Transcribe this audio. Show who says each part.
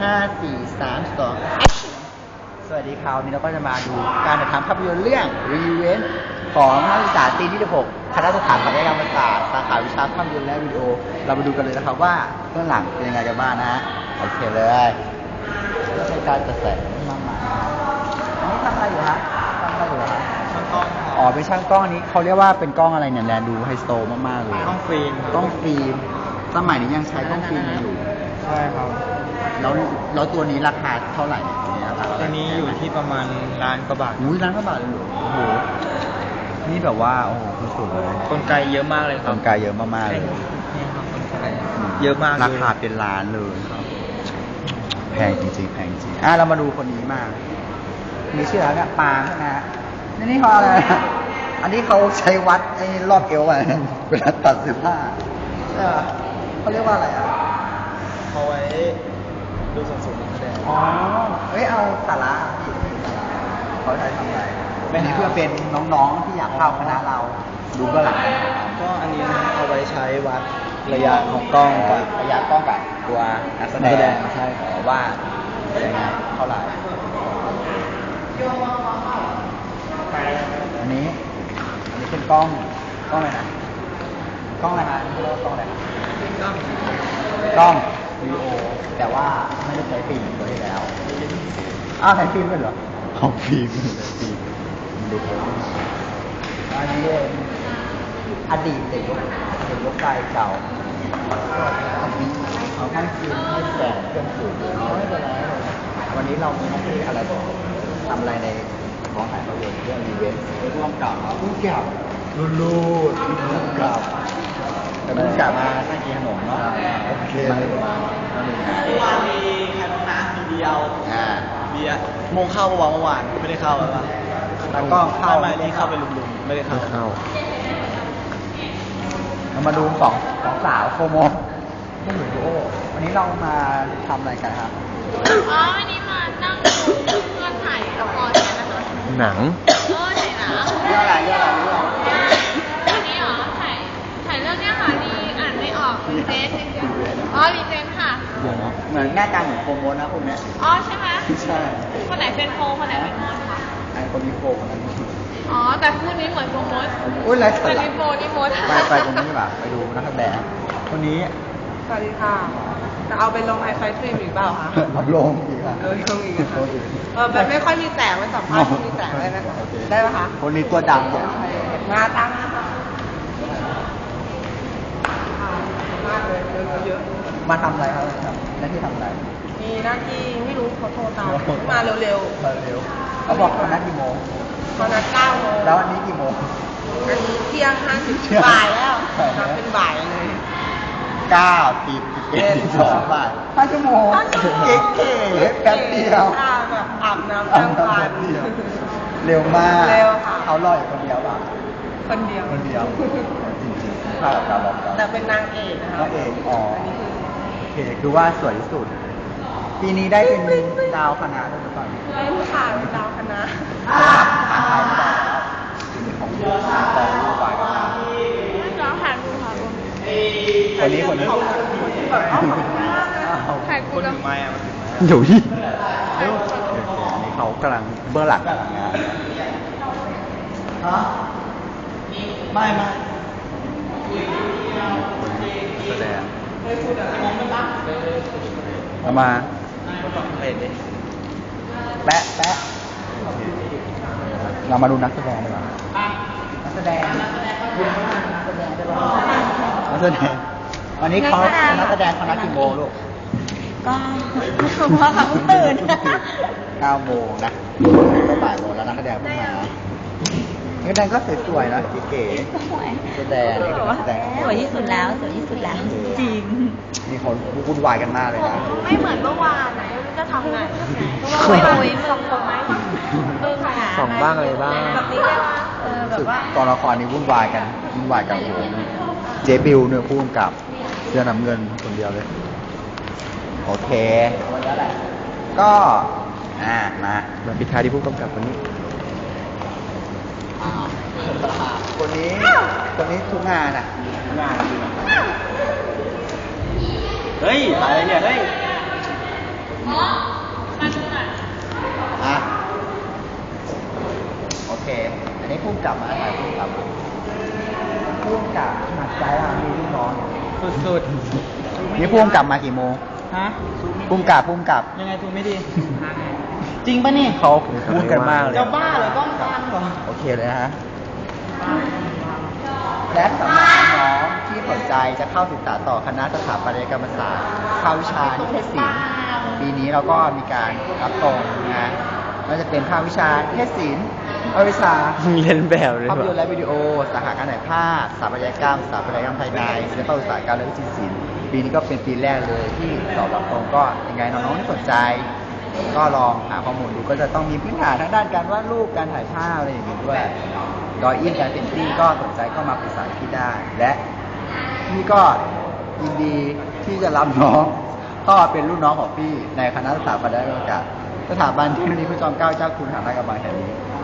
Speaker 1: 5 4 3 2สวัสดีครับวันนี้เราก็จะมาดูการถ่ายทำภาพยนตร์เรื่อง Revenge ของนักศึกษาปีที่16คณะสถาปัตยกรรมศาสตร์สาขาวิชาภาพยนตร์และวิดีโอเรามาดูกันเลยนะครับว่าเบื้องหลังเป็นยังไงกันบ้างนะฮะโอเคเลยก็ใช้การจัดแสงมากมายอันนี้ทำอะไรอยู่ฮะทำอะไรอยู่ฮะช่างกล้องอ๋อเป็นช่างกล้องนี้เขาเรียกว่าเป็นกล้องอะไรเนี่ยแลดูไฮโซมากๆเลยกล้องฟิล์มกล้องฟิล์มสมัยนี้ยังใช้กล้องฟิล์มอยู่
Speaker 2: ใช่ครับ
Speaker 1: แล้วตัวนี้ราคาเท่าไหร่เนี่ย
Speaker 2: ตัวนี้อยู่ที่ประมาณล้านกว่าบาท
Speaker 1: ล้านกว่าบาทเลยเหรอโอ้โหนี่แบบว่าโอ้โหสุดเลย
Speaker 2: กลไกเยอะมากเลยครับ
Speaker 1: กลไกเยอะมากๆเลย
Speaker 2: นี่ครับกลไกเยอะมาก
Speaker 1: ราคาเป็นล้านเลยครับแพงจริงๆแพงจริงเรามาดูคนนี้มากมีชื่ออะไรเนี่ยปางนะฮะนี่เขาอะไรอันนี้เขาใช้วัดไอ้รอบเอวอะไรเวลาตัดเสื้อผ้าเขาเรียกว่าอะไร
Speaker 2: เอาไว้ดูส่วนสูงนักแสดง
Speaker 1: อ๋อเอาสาระเขาใช้ทำอะไรนี่เพื่อเป็นน้องๆที่อยากเข้าคณะเราดูเบื้องหลัง
Speaker 2: ก็อันนี้เอาไว้ใช้วัดระยะของกล้องกับ
Speaker 1: ระยะกล้องกับตัวนักแสดง
Speaker 2: ใช่
Speaker 1: ว่ายังไงเท่าไหร่อันนี้เป็นกล้องอะไรนะกล้องอะไรนะเรียกว่ากล้องอะไรกล้องวิดีโอแต่ว่าไม่ได้ใช้ฟิล์มตัวที่แล้วใช้ฟิล์มด้วยเหรอของฟิล์มดูอันนี้อดีตเด็กยกไกเก่าเอาให้ฟิล์มให้แสงเครื่องสูงไม่เป็นไรวันนี้เรามีหน้าที่อะไรทำอะไรในกองถ่ายภาพยนตร์เรื่องอีเวนต์ร่วมกับผู้กำกับรุ่นร่วมกับแต่ผู้กำกับมาตั้งกี่ขนมเนาะโอเคเลย
Speaker 2: วันนี้แค่น้ำมีเดียวเบียร์โมงเข้าเมื่อวานไม่ได้เข้าแล้ว
Speaker 1: แล้วก็เข้า
Speaker 2: ไม่นี่เข้าไปลุมๆไม่ได้เข้า
Speaker 1: เรามาดูสองสาวโฟโมไม่เหมือนโอ้วันนี้เรามาทำอะไรกันครับ
Speaker 3: วันนี้มานั่งดูเพื่อนถ่ายละครกันนะคะ
Speaker 1: หนัง
Speaker 3: ถ่ายหนัง
Speaker 1: เรื่องอะไร
Speaker 3: วันนี้เหรอถ่ายเรื่องเนี้ยค่ะดีอ่านไม่ออกรีเจนรีเจนค่ะ
Speaker 1: เหมือนหน้าตาเหมือนโฟโมนะคนเนี้ย
Speaker 3: ใช่ไหม
Speaker 1: ใช่
Speaker 3: คนไหนเป็นโฟคนไหนเป็นโมดค่ะ
Speaker 1: ไอ้คนนี้โฟคนนั้น
Speaker 3: แต่คู่นี้เหมือนโฟโมด
Speaker 1: ไร
Speaker 3: แต่นี่โฟนี่โมด
Speaker 1: ไปตรงนี้แบบไปดูนักแสดงคนนี้
Speaker 4: สวัสดีค่ะจะเอาไปลงไอไฟสตรีมอีกเปล่าคะ
Speaker 1: ลงอีกค่ะ
Speaker 4: ลงอีกแบบไม่ค่อยมีแสงไม่สัมภาษณ์มีแสงได้ไหมได้ไหมคะ
Speaker 1: คนนี้ตัวดำเนี่ย
Speaker 4: มาตั้งนะคะมากเลยเยอะ
Speaker 1: มาทำอะไรครับหน้าที่ทำอะไร
Speaker 4: มีหน้าที่ไม่รู้เขาโทรตามมาเร็ว
Speaker 1: เขาบอกเขานัดกี่โมง
Speaker 4: เขานัด9 โมง
Speaker 1: แล้วอันนี้กี่โมง
Speaker 4: อันนี้เที่ยง50บ่ายแล้วนัดเป็นบ่ายเลย
Speaker 1: 9 10 11 12 บ่าย5 ชั่วโมงเก๋แป๊บเดียว
Speaker 4: แบบอาบน้ำตั้งครรภ์
Speaker 1: เร็วมาก
Speaker 4: เร็วค่ะ
Speaker 1: เขารออยู่คนเดียวป่ะ
Speaker 4: คนเดียว
Speaker 1: จริงๆภาพการรอ
Speaker 4: แต่เป็นนางเอกนะคะ
Speaker 1: นางเอกโอเคคือว่าสวยที่สุดปีนี้ได้เป็นดาวคณะด้วยหรือเปล่า
Speaker 4: ได้ค่ะเป็นดาวคณะ
Speaker 1: ผ่านไทยไม่ได้แล้วปีนี้ของกองรูปวายกันมา
Speaker 3: น้องถ่ายรูปค่ะ
Speaker 1: คนนี้
Speaker 3: ถ่ายกูแล้ว
Speaker 1: อยู่ที่นี่เขากำลังเบื้องหลังกันไม่แสดงมาแปะเรามาดูนักแสดงดีกว่านักแสดงวันนี้เขานักแสดงเขานัดกี่โมงลูก
Speaker 3: ก็เพราะเขาตื่น
Speaker 1: 9 โมงนะก็บ่ายโมงแล้วนักแสดงเพิ่งมานักแสดงก็สวยๆนะเก๋ๆแสดง
Speaker 3: สวยที่สุดแล้วจริง
Speaker 1: นี่เขาวุ่นวายกันมากเลยนะ
Speaker 3: ไม่เหมือนเมื่อวานนะจะทำไงไม่รู้ส่งคนไหม
Speaker 1: ส่งบ้างอะไรบ้าง
Speaker 3: แบบนี้ได้ว่าแบบว่า
Speaker 1: ตอนละครนี้วุ่นวายกันโอ้โหเจบิวเนี่ยผู้กำกับเสื้อน้ำเงินคนเดียวเลยโอเคก็มาปิดท้ายที่ผู้กำกับคนนี้คนนี้ทุกงาน
Speaker 2: เฮ้ยอะไรเนี่ยเฮ้ย
Speaker 1: กลับมาถ่ายพุ่งกลับมาพุ่งกลับหนักใจอ่ะมีลูกน้อง
Speaker 2: สุด
Speaker 1: นี่พุ่งกลับมากี่โมง
Speaker 2: ๆฮะ
Speaker 1: พุ่งกลับ
Speaker 2: ยังไงทูไม่ดี จริงปะนี่
Speaker 1: เขาพูดกันมากเลย
Speaker 2: จะบ้าเหรอกล้องกลางเหรอ
Speaker 1: โอเคเลยนะฮะและสำหรับน้องๆที่สนใจจะเข้าศึกษาต่อคณะสถาปัตยกรรมศาสตร์ภาควิชานิเทศศิลป์ปีนี้เราก็มีการรับตรงนะก็จะเป็นภาควิชานิเทศศิลป์ภาควิชา
Speaker 2: เรียนแบบเลย
Speaker 1: ภาพยนตร์และวิดีโอสาขาการถ่ายภาพสถาปัตยกรรมสถาปัตยกรรมภายในศิลปอุตสาหกรรมและวิจิตรศิลป์ปีนี้ก็เป็นปีแรกเลยที่สอบรับตรงก็ยังไงน้องๆที่สนใจ ก็ลองหาข้อมูลดูก็จะต้องมีพื้นฐานทางด้านการวาดรูปการถ่ายภาพอะไรอย่างนี้ด้วยดอยอินการเป็นตี้ก็สนใจก็มาปรึกษาที่ได้ และพี่ก็ยินดีที่จะรับน้องก็เป็นรุ่นน้องของพี่ในคณะสถาปัตยกรรมศาสตร์สถาบันเทคโนโลยีพระจอมเกล้าเจ้าคุณทหารราชกระบังแห่งนี้